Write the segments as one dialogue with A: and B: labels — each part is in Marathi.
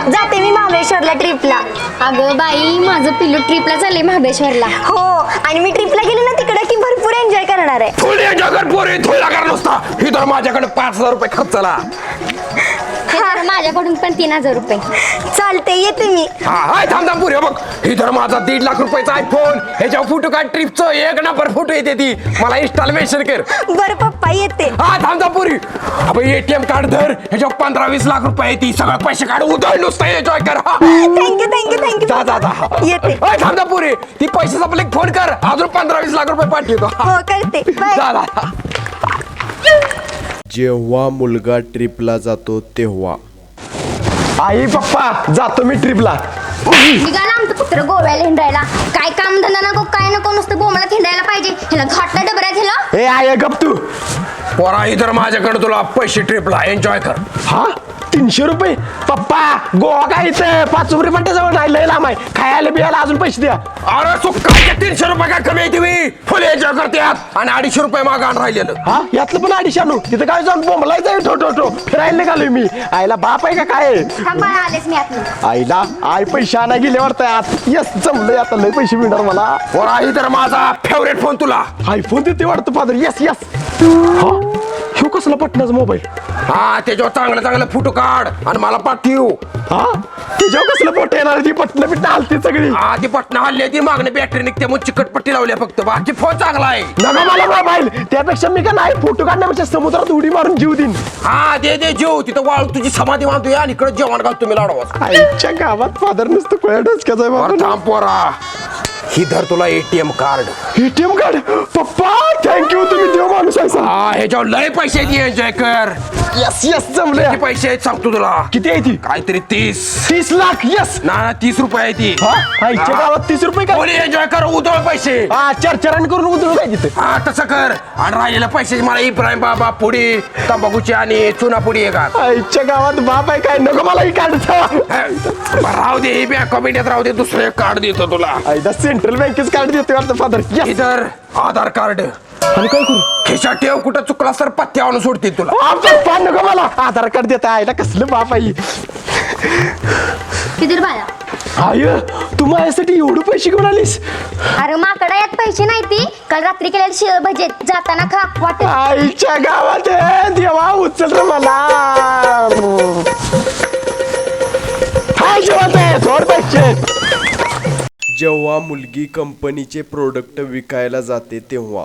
A: जाते मी महाबळेश्वरला ट्रिपला.
B: अगं बाई माझं पिल्लू ट्रिपला चालले महाबळेश्वरला.
A: हो, आणि मी ट्रिपला गेले ना तिकडे की भरपूर एन्जॉय करणार आहे.
C: थोडी एन्जॉय कर पोरी, थोडा कर नुसता. ही तर माझ्याकडे 5,000 रुपये खर्चला.
B: हे तर माझ्याकडून पण 3,000 रुपये.
A: चालते, येते मी.
C: हा हाय थांब थांब पुरी बघ. ही तर माझा 1.5 लाख रुपयाचा आयफोन. ह्याच्या फोटो काढ, ट्रिपचं 1 नंबर फोटो येते ती. मला इंस्टाला मेन्शन कर.
A: बरं पप्पा, येते.
C: हा थांब थांब पुरी. अबे एटीएम कार्ड धर, ह्याच्या 15-20 लाख रुपये येते. सगळं पैसे काढ, उधळ नुसतं एन्जॉय कर.
A: Thank you thank you thank you.
C: जा जा जा.
A: येते.
C: थांब थांब पुरी. ती पैशाचा आपले फोन कर, अजून 15-20 लाख रुपये पाठवतो.
A: हो, करते. बाय.
C: जा जा.
D: जेव्हा मुलगा ट्रिपला जातो तेव्हा
C: आई पप्पा जातो मी ट्रिपला.
B: निघाला आमचं कुत्र गोव्याला हिंडायला. काय काम धंदा नको, काय नको, नुसतं बोमाला हिंडायला पाहिजे. ह्याला घाटला डबऱ्यात ह्याला.
C: ए आय गप तू. पोरा इधर माझ्याकडे तुला पैसे ट्रिपला एन्जॉय कर. हा 300 रुपये पप्पा, गोवा काय इथं 5 रुपये पट्ट्याजवळ नाही, लय लांब आहे. खायला बियाला अजून पैसे द्या. अरे तू काय 300 रुपये काय कमी येते मी फुल एन्जॉय करते यात. आणि 250 रुपये मागान राहिलेलं. हा यातलं पण 250 आणू. तिथं काय जाऊन बोंबलाय जाईल ठो फिरायला निघालोय मी. आईला बाप आहे का काय?
B: थांबा आलेच मी आत.
C: आईला आई पैसे आणा गेले वाटतं आत. यस जमलंय आता, लय पैसे मिळणार मला. पोरा इधर माझा फेवरेट फोन तुला आयफोन देते वाटतं फादर. Yes yes. हा ह्यो कसला पटनाचा मोबाईल. हा त्याच्यावर चांगलं चांगलं फोटो काढ आणि मला पाठव. हा त्याच्यावर कसलं फोटो येणार? ती पटणं बिटणं हलती सगळी. हा ती पटणं हल्ली ती मागणी बॅटरी निघते मग चिकट पट्टी लावली फक्त. बाकी फोन चांगला आहे. नका मला मोबाईल. त्यापेक्षा मी का नाही फोटो काढण्यापेक्षा समुद्रात उडी मारून जीव देईन. हा दे दे जीव. तिथं वाळू तुझी समाधी बांधतो आणि इकडे जेवण घालतो मी लाडवा. आईच्या गावात फादर नुसतं कोया डोसक्याचा आहे बाबा. थांब पोरा, ही धर तुला एटीएम कार्ड. एटीएम कार्ड पप्पा, थँक्यू. तुम्ही देव माणूस आहे. हा ह्याच्यावर लय पैसे एन्जॉय कर. यस यस जमले. किती पैसे आहेत सांगतो तुला. किती आहे ती? काहीतरी 30 लाख. यस ना 30 रुपये आहे ती. आईच्या गावात 30 रुपये कोणी एन्जॉय कर, उधळ पैसे. हा चरचरण करून उधळ काय तिथे. हा तसं कर. आणि राहिलेल्या पैसे मला इब्राहिम बाबा पुडी तंबाखूची आणि चुना पुडी आहे का. आईच्या गावात बाप आहे काय, नको मला ही कार्ड. राहू दे, ही बँक ऑफ इंडियात राहू दे, दुसरं एक कार्ड देतो तुला. सेंट्रल बँकेच कार्ड देतो वाटतं फादर. इधर आधार कार्ड. आणि काय करू? खिशात ठेव, कुठं चुकला सर पत्त्या आणून सोडतील तुला. नको मला आधार कार्ड देता. आईला कसलं बाप आहे.
B: किती बाया.
C: आय तू माझ्यासाठी एवढे पैसे घेऊन आलीस?
B: अरे माकडा यात पैसे नाही ती. काल रात्री केलेले शिळ भजे जाताना खा वाटत.
C: आईच्या गावात देवा उचल रे मला. हाय जेवत आहे थोड पैसे.
D: जेव्हा मुलगी कंपनीचे प्रोडक्ट विकायला जाते तेव्हा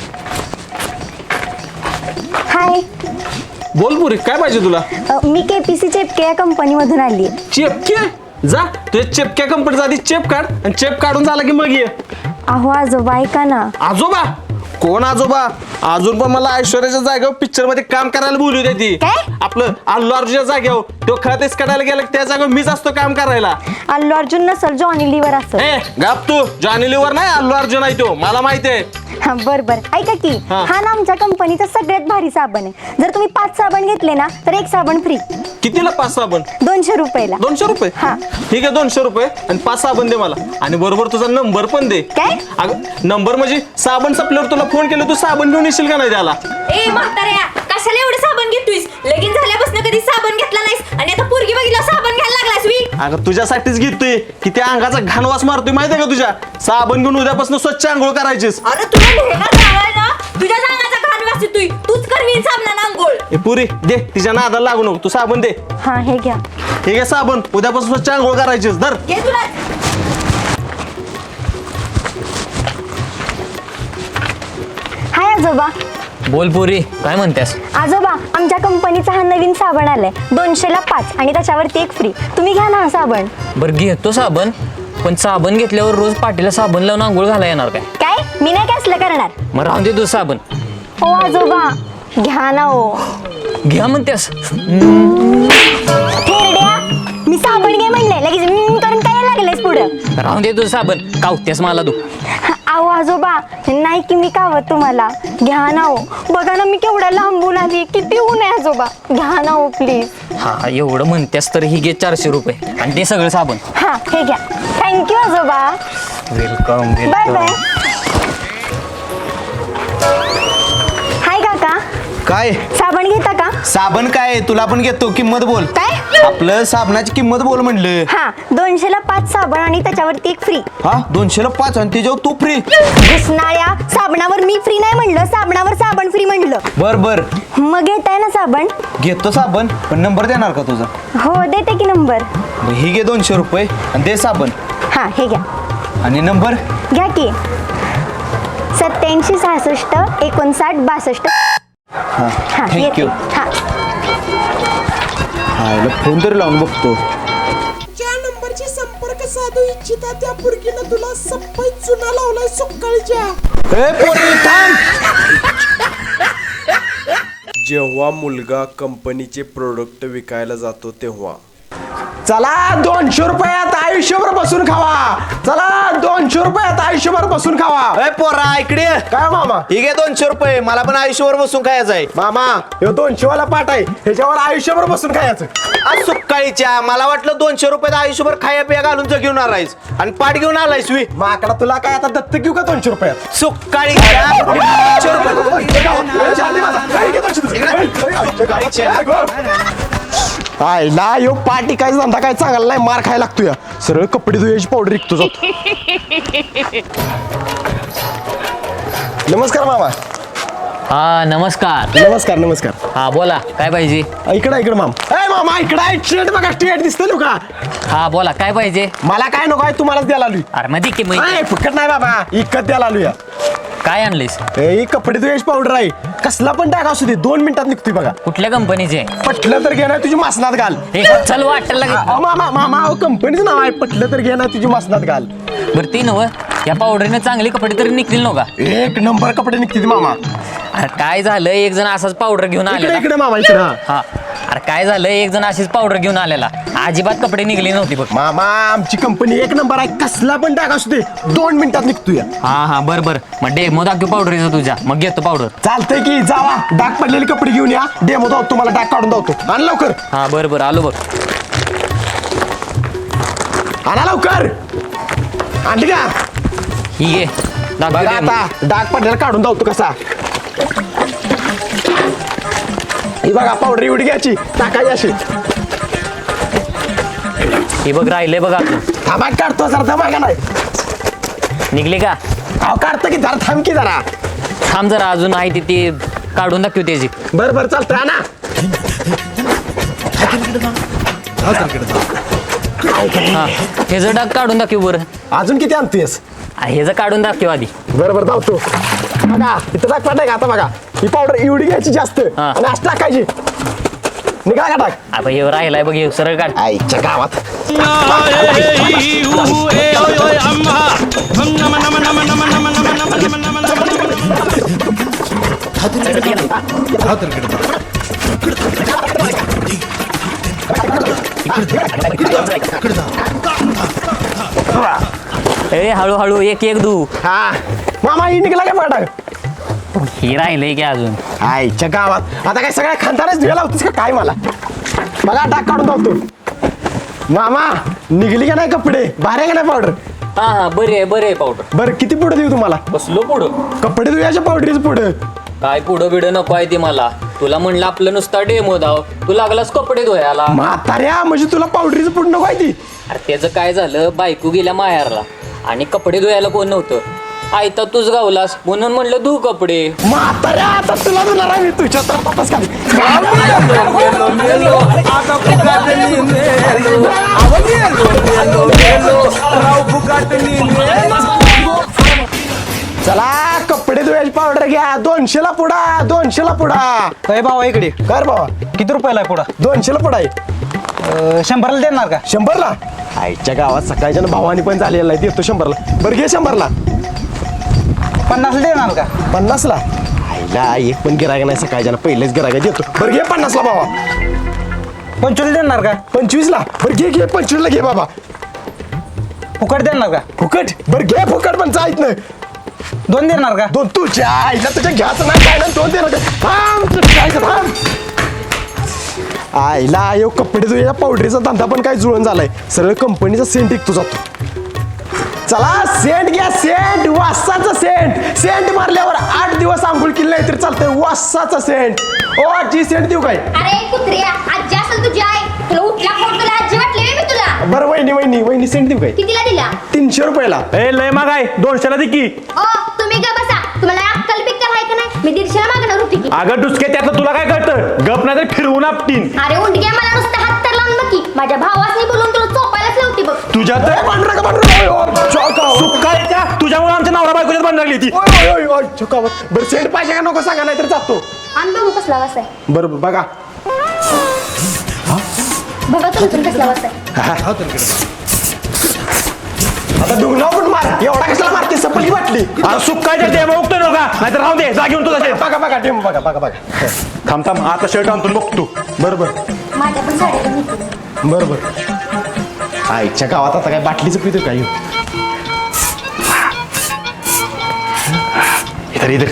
A: हाय.
E: बोल पुरी, काय पाहिजे तुला?
A: मी केपीसी चेपके या कंपनीमधून आली.
E: चेपके? जा तुझ्या चेपक्या कंपनीचा आधी चेप काढ आणि चेप काढून झाला की मग ये.
A: अहो आजोबा ऐका ना.
E: आजोबा? कोण आजोबा? अजून पण मला ऐश्वर्याच्या जागेवर पिक्चर मध्ये काम करायला बोलू दे ती.
A: काय?
E: आपलं अल्लू अर्जुनच्या जागेवर तो खतेच काढायला गेला त्या जागेवर मीच असतो काम करायला.
A: अल्लू अर्जुन नसल, जॉनी लिव्हर असल.
E: ए गाप तू. जॉनी लिव्हर नाही, अल्लू अर्जुन आहे तो. मला माहिती आहे.
A: हा बर बर ऐका की.
E: हा.
A: हा ना आमच्या कंपनीचा सगळ्यात भारी साबण आहे. जर तुम्ही 5 साबण घेतले ना तर 1 साबण फ्री.
E: कितीला 5 साबण?
A: 200 रुपयाला.
E: 200 रुपये?
A: हा.
E: ठीक आहे 200 रुपये आणि 5 साबण दे मला. आणि बरोबर तुझा नंबर पण दे.
A: काय?
E: अगं नंबर म्हणजे साबण संपल्यावर तुला फोन केला, तू साबण घेऊन येशील का नाही त्याला?
F: ए म्हाताऱ्या, कशाला एवढं साबण घेतोयस? लगीन झाल्यापासून कधी साबण घेतला नाहीस आणि आता पोरगी बघितला साबण घ्यायला लागलास वी.
E: अगं तुझ्यासाठीच घेतोय. किती अंगाचा घाणवास मारतोय माहिती आहे का तुझ्या. साबण घेऊन उद्यापासून स्वच्छ आंघोळ करायचीस.
F: अरे तुला भेगा जावाय ना, तुझ्या सांगाचा घाण वास तू तूच करवीन साबणानं आंघोळ.
E: ए पुरी दे, तिच्या नादाला लागू नको. तू साबण दे.
A: हा हे घ्या.
E: ठीक आहे साबण, उद्यापासून स्वच्छ आंघोळ करायचीस. धर.
F: घे तुला.
A: हाय आजोबा.
G: बोल पोरी, काय म्हणतेस?
A: आजोबा आमच्या कंपनीचा हा नवीन साबण आलाय. 200ला 5 आणि त्याच्यावरती 1 फ्री. तुम्ही घ्या ना हा साबण.
G: बरं घेतो साबण, पण साबण घेतल्यावर रोज पाठीला साबण लावून आंघोळ घाला येणार काय?
A: काय? मी नाही काय असलं करणार.
G: मग राहून दे तू साबण.
A: ओ आजोबा घ्या ना. ओ
G: घ्या म्हणतेस?
A: थेरड्या, मी साबण घे म्हणले लगेच करून काय लागलेस पुढं.
G: राहून दे तू साबण, कावतेस मला तू.
A: अहो आजोबा नाही की मी कावत तुम्हाला. घ्या ना. ओ बघा ना मी केवढ्या लांबून आली. किती ऊन आहे आजोबा. घ्या ना ओ प्लीज.
G: हा एवढं म्हणतेस तर ही घे 400 रुपये आणि ते सगळं साबण.
A: हा हे घ्या. थँक्यू आजोबा.
G: Welcome
A: bye bye. हाय काका,
E: काय?
A: साबण घेता का?
E: साबण काय तुला पण घेतो किंमत बोल.
A: काय?
E: आपलं साबणाची किंमत बोल म्हणलं.
A: हा 200ला 5 साबण आणि त्याच्यावरती एक फ्री.
E: हा 200ला 5 आणि त्याच्यावर तू फ्री.
A: घुसणाऱ्या साबणावर मी फ्री नाही म्हणलं, साबणावर साबण फ्री म्हणलं.
E: बर बर
A: मग घेताय ना साबण?
E: घेतो साबण पण नंबर देणार का तुझा?
A: हो देते की नंबर.
E: ही घे 200 रुपये आणि दे साबण
A: हा हे घ्या.
E: आणि नंबर
A: घ्या की 87 66 59 62.
E: हा
A: हा
E: थँक्यू.
A: येते. हा
E: हा फोन तरी लावून बघतो.
H: ज्या नंबरची संपर्क साधू इच्छिता त्या पुरगीनं तुला सप्पई चुना लावलाय सुक्काळीच्या.
E: ए पोरी थांब.
D: जेव्हा मुलगा कंपनीचे प्रोडक्ट विकायला जातो तेव्हा
C: चला 200 रुपयात आयुष्यभर बसून खावा. चला 200 रुपयात आयुष्यभर बसून खावा.
E: ए पोरा इकडे ये.
C: काय मामा?
E: ही घे 200 रुपये मला पण आयुष्यभर बसून खायचं आहे.
C: मामा हे 200 वाला पाट आहे, ह्याच्यावर आयुष्यभर बसून खायचं.
E: आज सुकाळीच्या मला वाटलं 200 रुपयात आयुष्यभर खाया पिया घालून घेऊन आलायस आणि पाठ घेऊन आलायस वी.
C: माकडा तुला काय आता दत्तक घेऊ का 200 रुपयात?
E: सुकाळीच्या 200 रुपये.
C: आयला यो पाटी काय धंदा काय चांगला नाही, मार खायला लागतो या. सरळ कपडे धुयाची पावडर विकतो जातो. नमस्कार मामा.
G: हा नमस्कार.
C: नमस्कार नमस्कार.
G: हा बोला काय पाहिजे.
C: इकडे मामा. ए मामा इकडे आहे शर्ट बघा, स्ट्रेट दिसतंय ना का?
G: हा बोला काय पाहिजे.
C: मला काय नको आहे, तुम्हालाच द्यायला आलोय.
G: अरे मध्ये की मग
C: नाही फुकट नाही बाबा, इकत द्यायला आलोय.
G: काय आणलीस.
C: ही कपडे धुयाची पावडर आहे, कसला पण टाका असू दे 2 मिनिटात निघतोय बघा.
G: कुठल्या कंपनीचे.
C: पटलं तर घे ना तुझी मासनात घाल.
G: हे चल वाटेल
C: मामा मामा कंपनीचं नाव आहे, पटलं तर घे ना तुझी मासनात घाल.
G: बरं ती नव या पावडरीने चांगली कपडे तरी निघतील नव्ह का.
C: एक नंबर कपडे निघतील मामा.
G: अरे काय झालं एक जण असाच पावडर घेऊन
C: इकडे
G: आलेला.
C: इकडे मामा इकडे.
G: हा अरे काय झालं एक जण अशीच पावडर घेऊन आलेला, अजिबात कपडे निघले नव्हते बघ.
C: मामा आमची कंपनी एक नंबर आहे, कसला पण टाका असू दे 2 मिनिटात निघतोय.
G: हा बर बर मग डेमो दाखव पावडरीचा तुझ्या, मग घेतो पावडर.
C: चालतंय की जावा, डाग पडलेले कपडे घेऊन या, डेमो दाव तुम्हाला डाग काढून दावतो. आण लवकर.
G: हा बर आलो बघ.
C: आणा लवकर. आणली का?
G: ही घे दाखव
C: बघा
G: demo.
C: आता डाग पडलेला काढून दावतो कसा. ही बघा पावडर एवढी घ्यायची, टाकायची अशी.
G: हे बघ राहिले बघा
C: थांबा काढतो जरा, थांबा नाही.
G: निघले का.
C: अहो काढतो की, जरा थांब की जरा.
G: थांब जरा अजून आहे ती काढून दाखव त्याची.
C: बरं चालतंय ना.
G: हा ह्याचं डाग काढून दाखव बरं.
C: अजून किती आणतेस?
G: ह्याचं काढून दाखव आधी.
C: बरं धावतो. बघा इथं टाक पडलाय का आता. बघा ही पावडर एवढी घ्यायची जास्त
G: हा.
C: आणि असं टाकायची. निघा का टाक.
G: आता हे राहिलाय बघ हे सरळ काढ.
C: आईच्या गावात.
G: ए हळूहळू एक एक दू.
C: हा मामा ही निघला का पाटा.
G: ही राहिलंय की अजून.
C: आईच्या गावात आता काय सगळ्या खानदारच धुयाला होतीस का काय मला. बघा डाग काढून धावतो. मामा निघली का नाही कपडे, भारी का नाही पावडर.
G: हा बरे आहे पावडर.
C: बरं किती पुढे देऊ तुम्हाला.
G: बसलो पुढं.
C: कपडे धुयाच्या पावडरीच पुढे.
G: काय पुढं बिडं नको आहे ती मला. तुला म्हणलं आपलं नुसता डेमो धाव, तू लागलास कपडे धुयाला.
C: म्हाताऱ्या म्हणजे तुला पावडरीचं पुढं नको आहे ती.
G: अरे त्याचं काय झालं बायको गेल्या माहेरला आणि कपडे धुयाला कोण नव्हतं. आयता तूच गावलास म्हणून म्हणलं धू कपडे.
C: म्हाताऱ्या आता तुला धुणार आहे मी तुझ्या तर वापस खाली. चला कपडे धुयाची पावडर घ्या. 200ला पुडा, 200ला पुडा.
I: अरे भावा इकडे
C: कर बाबा
I: किती रुपयाला आहे पुढा.
C: 200ला पुडा आहे.
I: 100ला देणार का.
C: 100ला. आईच्या गावात सकाळच्या भावानी पण झालेला आहे, देतो 100ला. बरं घे 100ला.
I: 50ला देणार का.
C: 50ला. आईला एक पण गिरायक नाही सकाळच्या, पहिलेच गिरायक देतो. बरं घे 50ला बाबा.
I: 25ला देणार का.
C: 25ला. बरं घे 25ला घे बाबा.
I: फुकट देणार का.
C: फुकट. बरं घे फुकट पण जायत नाही.
I: 2 देणार का.
C: 2 तुझ्या आईला तुझ्या घ्यायचं नाही काय ना 2 दे ना. थांब थांब. आईला यो कपडे धुयाच्या पावडरीचा धंदा पण काय जुळून झालाय. सरळ कंपनीचा सेंट विकतो जातो. चला सेंट घ्या सेंट वासाचा सेंट सेंट मारल्यावर 8 दिवस आंघोळ केली नाही तर चालतंय वासाचा सेंट ओ आजी सेंट देऊ काय
B: अरे कुत्र्या आजी असेल तुझी आई तुला उठला फोन तुला आजी वाटली मी तुला
C: बरं वहिनी सेंट देऊ काय
B: कितीला दिला
C: 300 रुपयाला
E: ए लय माग आहे 200ला दे की
B: ओ तुम्ही का बसा तुम्हाला अक्कल बिक्कल आहे का नाही मी 150ला मागणार होती की
E: अगं डुसके त्यातलं तुला काय कळतं गप नाही तर फिरवून आपटीन
B: अरे उंडग्या मला नुसतं हात तर लावून बघ की माझ्या भावासनी बोलून तुला चोपायलाच लावती बघ
E: तुझ्या तर सुकायच्या तुझ्यामुळे आमच्या नवरा बायकोच्यात भांडण लागली ती
C: बरं सेंट पाहिजे का नको सांगा नाही तर जातो
B: आणि बघू कसला वास आहे
C: बरोबर बघा
B: बघा तुमचं कसला वास आहे
C: आता डुंगणाव पण मार एवढा कशाला मारते सपली वाटली
E: सुकायच्या टेम उगतो नका नाहीतर राहू दे जा घेऊन तुझा शेत
C: बघा टेम बघा
E: थांब आता शर्ट आणतो बघतो
C: बरोबर
B: माझ्या पण साड्या घेतली
C: बरोबर आईच्या गावात आता काय बाटलीचं पितो काय इधर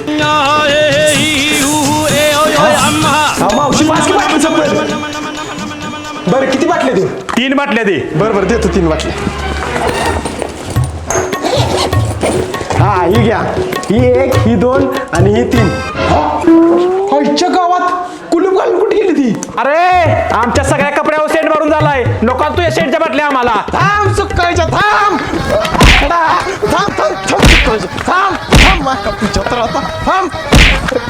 C: मावशी पाच की बाटलीचं पण बरं किती बाटले देऊ
E: 3 बाटल्या दे
C: बरोबर देतो 3 बाटल्या हा ही घ्या ही 1 ही 2 आणि ही 3 आईच्या गावात कुलूप घालून कुठे गेली ती
E: अरे आमच्या सगळ्या कपड्यावर सेंट मारून झालाय नको तुझ्या सेंटच्या बाटल्या आम्हाला
C: थांब सुकायच्या थांब